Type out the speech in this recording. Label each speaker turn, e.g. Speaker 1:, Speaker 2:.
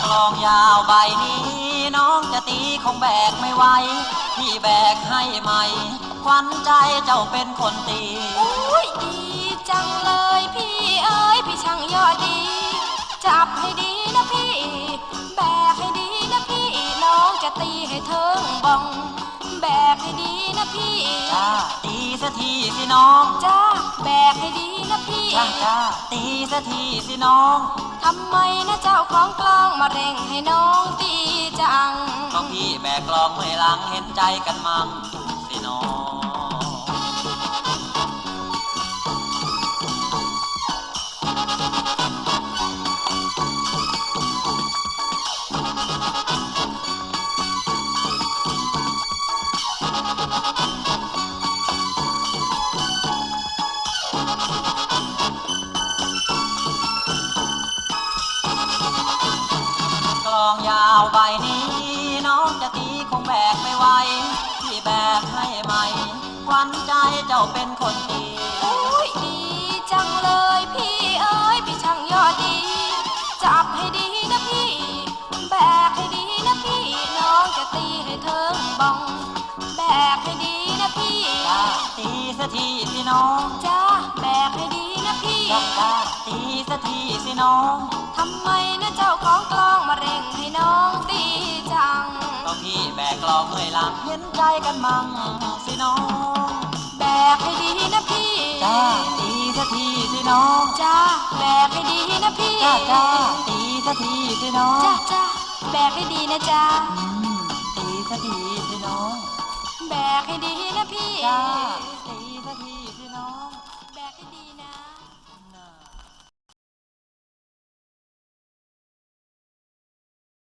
Speaker 1: ลองยาวใบนี้น้องจะตีคงแบกไม่ไหวพี่แบกให้ใหม่ขวัญใจเจ้าเป็นคนตี
Speaker 2: อุ้ยดีจังเลยพี่เอ๋ยพี่ช่างยอดดีจับให้ดีนะพี่แบกให้ดีนะพี่น้องจะตีให้เทิงบ้องแบกให้ดีนะพี่
Speaker 1: จ้าตีสักทีสิน้อง
Speaker 2: จ้าแบกให้ดีนะพี่
Speaker 1: จ้าตีสักทีสิน้อง
Speaker 2: ทำไมนะเจ้าของกลองมาเร่งให้น้องตีจัง
Speaker 1: ก็พี่แบกกลองเมื่อยหลังเห็นใจกันมั่งสิน้องกลองยาวใบนี้น้องจะตีคงแบกไม่ไหวพี่แบกให้ใหม่ขวัญใจเจ้าเป็นคนตี
Speaker 2: อุ้ยดีจังเลยพี่เอ๋ยพี่ช่างยอดดีจับให้ดีนะพี่แบกให้ดีนะพี่น้องจะตีให้เทิงบ้องแบกให้ดีนะพี่
Speaker 1: จ้าตีสักทีสิน้อง
Speaker 2: จ้าแบกให้ดีนะพี่
Speaker 1: จ้าตีสักทีสิน้อง
Speaker 2: ทำไมนะเจ้าของกลองมาเร่งให้น้องตีจัง
Speaker 1: ก็พี่แบกกลองเมื่อยหลังเห็นใจกันมั่งสิน้อง
Speaker 2: แบกให้ดีนะพี่
Speaker 1: จ้าตีสักทีสิน้อง
Speaker 2: จ้าแบกให้ดีนะพี่
Speaker 1: จ้าตีสักทีสิน้อง
Speaker 2: จ้าแบกให้ดีนะจ้า
Speaker 1: ตีสักทีสิน้อง
Speaker 2: แบกให้ดีนะพี่
Speaker 1: จ้า